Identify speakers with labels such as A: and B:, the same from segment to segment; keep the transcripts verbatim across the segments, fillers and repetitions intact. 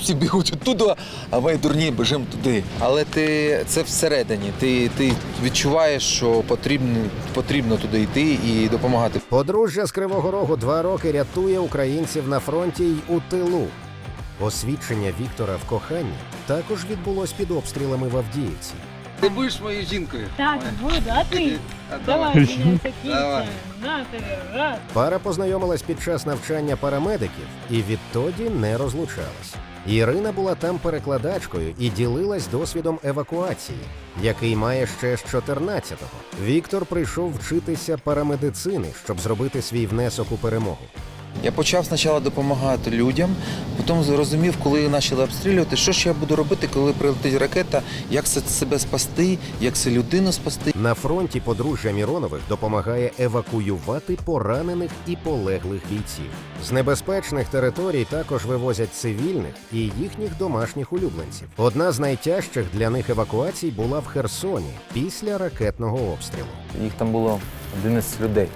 A: всі бігуть оттуда, а ми дурні біжимо туди. Але ти це всередині. Ти, ти відчуваєш, що потрібно, потрібно туди йти і допомагати.
B: Подружжя з Кривого Рогу два роки рятує українців на фронті й у тилу. Освідчення Віктора в коханні також відбулось під обстрілами в Авдіївці.
A: Ти будеш моєю жінкою?
C: Так, буду, а ти? Давай, мене закінчуємо. На тебе, раз.
B: Пара познайомилась під час навчання парамедиків і відтоді не розлучалась. Ірина була там перекладачкою і ділилась досвідом евакуації, який має ще з чотирнадцятого. Віктор прийшов вчитися парамедицини, щоб зробити свій внесок у перемогу.
A: Я почав спочатку допомагати людям, потім зрозумів, коли почали обстрілювати, що ж я буду робити, коли прилетить ракета, як себе спасти, як це людину спасти.
B: На фронті подружжя Міронових допомагає евакуювати поранених і полеглих бійців. З небезпечних територій також вивозять цивільних і їхніх домашніх улюбленців. Одна з найтяжчих для них евакуацій була в Херсоні після ракетного обстрілу.
D: Їх там було одинадцять людей.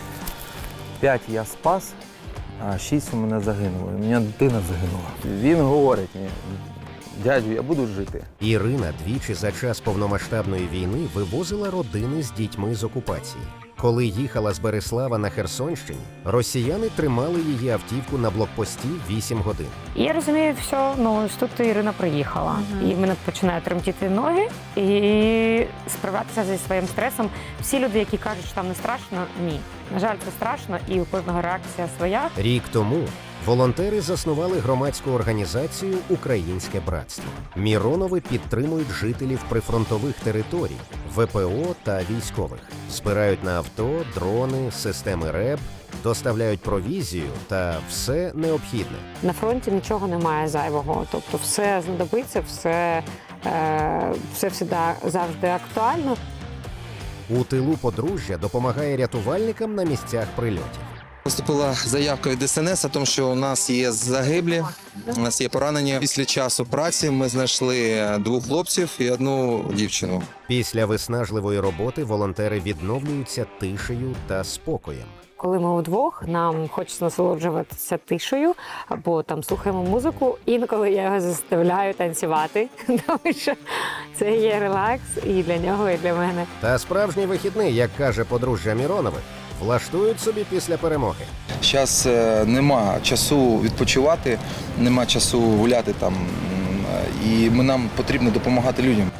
D: П'ять я спас, а шість у мене загинуло. У мене дитина загинула. Він говорить мені: дядю, я буду жити.
B: Ірина двічі за час повномасштабної війни вивозила родини з дітьми з окупації. Коли їхала з Береслава на Херсонщині, росіяни тримали її автівку на блокпості вісім годин.
E: І я розумію, все, ну ось тут Ірина приїхала. Uh-huh. І в мене починають тремтіти ноги і справлятися зі своїм стресом. Всі люди, які кажуть, що там не страшно, ні. На жаль, це страшно, і у кожного реакція своя.
B: Рік тому волонтери заснували громадську організацію «Українське братство». Міронови підтримують жителів прифронтових територій, ВПО та військових. Збирають на авто, дрони, системи РЕБ, доставляють провізію та все необхідне.
E: На фронті нічого немає зайвого, тобто все знадобиться, все, е, все завжди актуально.
B: У тилу подружжя допомагає рятувальникам на місцях прильотів.
F: Поступила заявка від Ес Ен Ес, тому що у нас є загиблі, у нас є поранені. Після часу праці ми знайшли двох хлопців і одну дівчину.
B: Після виснажливої роботи волонтери відновлюються тишею та спокоєм.
E: Коли ми удвох, нам хочеться насолоджуватися тишею або там слухаємо музику. Інколи я його заставляю танцювати, тому що це є релакс і для нього, і для мене.
B: Та справжній вихідний, як каже подружжя Міронових, влаштують собі після перемоги.
A: Зараз нема часу відпочивати, нема часу гуляти там, і нам потрібно допомагати людям.